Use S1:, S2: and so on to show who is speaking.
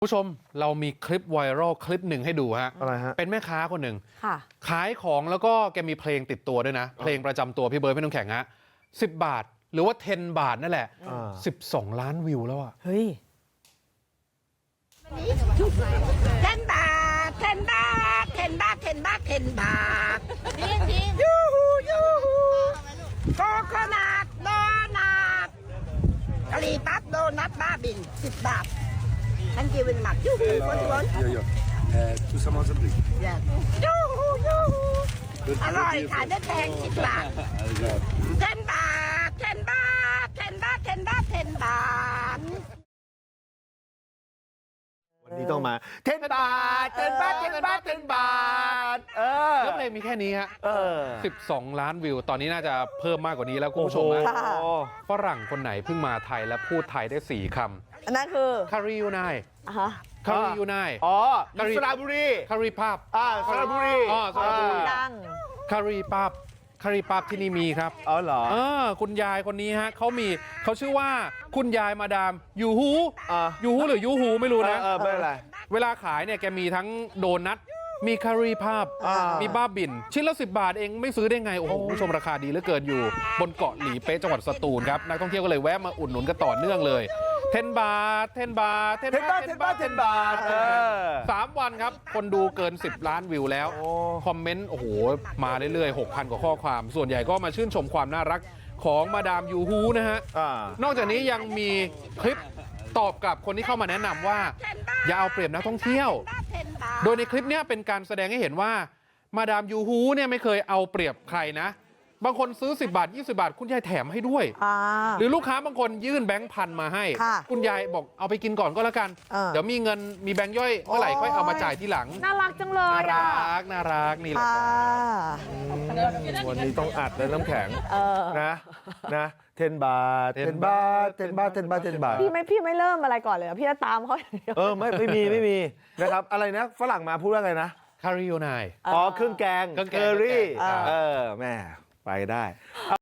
S1: ผู้ชมเรามีคลิปไวรัลคลิปหนึ่งให้ดูฮะ
S2: อะไรฮะ
S1: เป็นแม่ค้าคนหนึ่ง
S3: ค่ะ
S1: ขายของแล้วก็แกมีเพลงติดตัวด้วยนะ เพลงประจำตัวพี่เบิร์ดพี่น้ำแข็งฮะ10 บาทหรือว่า10 บาทนั่นแหละ12 ล้านวิวแล้วอะ
S3: เฮ้ย
S4: 10 baht, 10 baht, 10 baht, 10 baht, 10 baht. Yoo-hoo, yoo-hoo. Coconut donut. Kari pap donut babin, 10 baht. Thank you very much. Yoo-hoo, what do you want?
S5: Tout ça mange plus.
S4: Yes. Yoo-hoo, yoo-hoo. อร่อยขายได้แพง10 บาท 10 บาท 10 บาท 10 บาท 10 บาท 10 บาท
S2: วันนี้ต้องมา10 บาท10 บาท10 บาท10 บาท
S1: แล้วเพลงมีแค่นี้ฮะ12 ล้านวิว ตอนนี้น่าจะเพิ่มมากกว่านี้แล้วคุณผู้ชมนะ
S3: ค่ะ
S1: ฝรั่งคนไหนเพิ่งมาไทยและพูดไทยได้4 ค
S3: อันนั้นคือ
S1: ำคาริยูไน
S3: ฮะ
S1: คาริยูไน
S2: อ๋อ
S1: กะหรี่
S2: สระบุรี
S1: คาริภาพ
S2: สระบุรี
S1: อ๋อสระบุรี
S3: ดัง
S1: คาริภาพคาริภาพที่นี่มีครับ
S2: อ๋อเหรอ
S1: คุณยายคนนี้ฮะเขาชื่อว่าคุณยายมาดามยูฮู
S2: อ่า
S1: ยูฮูหรือยูฮูไม่รู้นะ
S2: ไม่เป็นไร
S1: เวลาขายเนี่ยแกมีทั้งโดนัทมีคารีภาพ มีบ้าบิน ชิ้นละ 10 บาทเองไม่ซื้อได้ไง โอ้โหคุณผู้ชมราคาดีเหลือเกินอยู่ บนเกาะหลีเป๊ะจังหวัดสตูลครับ นักท่องเที่ยวก็เลยแวะมาอุดหนุนกันต่อเนื่องเลย10 บาท10 บาท10 บาท10 บาท10 บาท3 วันครับ คนดูเกิน 10 ล้านวิวแล้ว คอมเมนต์โอ้โหมาเรื่อยๆ 6,000 กว่าข้อความ ส่วนใหญ่ก็มาชื่นชมความน่ารักของมาดามยูฮูนะฮะ นอกจากนี้ยังมีคลิปตอบกลับคนที่เข้ามาแนะนำว่าอย่าเอาเปรียบนักท่องเที่ยว โดยในคลิปนี้เป็นการแสดงให้เห็นว่ามาดามยูฮูเนี่ยไม่เคยเอาเปรียบใครนะ บางคนซื้อ10 บาท20 บาทคุณยายแถมให้ด้วย หรือลูกค้าบางคนยื่นแบงค์พันมาให้
S3: ค่ะ
S1: คุณยายบอกเอาไปกินก่อนก็แล้วกัน
S3: เดี๋
S1: เดี๋ยวมีเงินมีแบงค์ย่อยเมื่อไหร่ค่อยเอามาจ่ายทีหลัง
S3: น่ารักจังเลย
S1: น่า
S3: อ่ะ
S1: รักน่ารักนี่แหละ
S3: ค่ะ
S2: วันนี้ต้องอัดเลยน้ำแข็ง นะ10 บาท10 บาท10 บาท10 บาท10 บาท
S3: พี่ไม่เริ่มอะไรก่อนเลยเหรอพี่จะตามเขาอย่างเดียว
S2: ไม่มีนะครับอะไรนะฝรั่งมาพูดว่าไงนะ
S1: คาริโอไน
S2: เครื่องแกง
S1: เครื่องแกง
S2: เกอรี่
S1: เครื่องแกง
S2: แม่ไปได้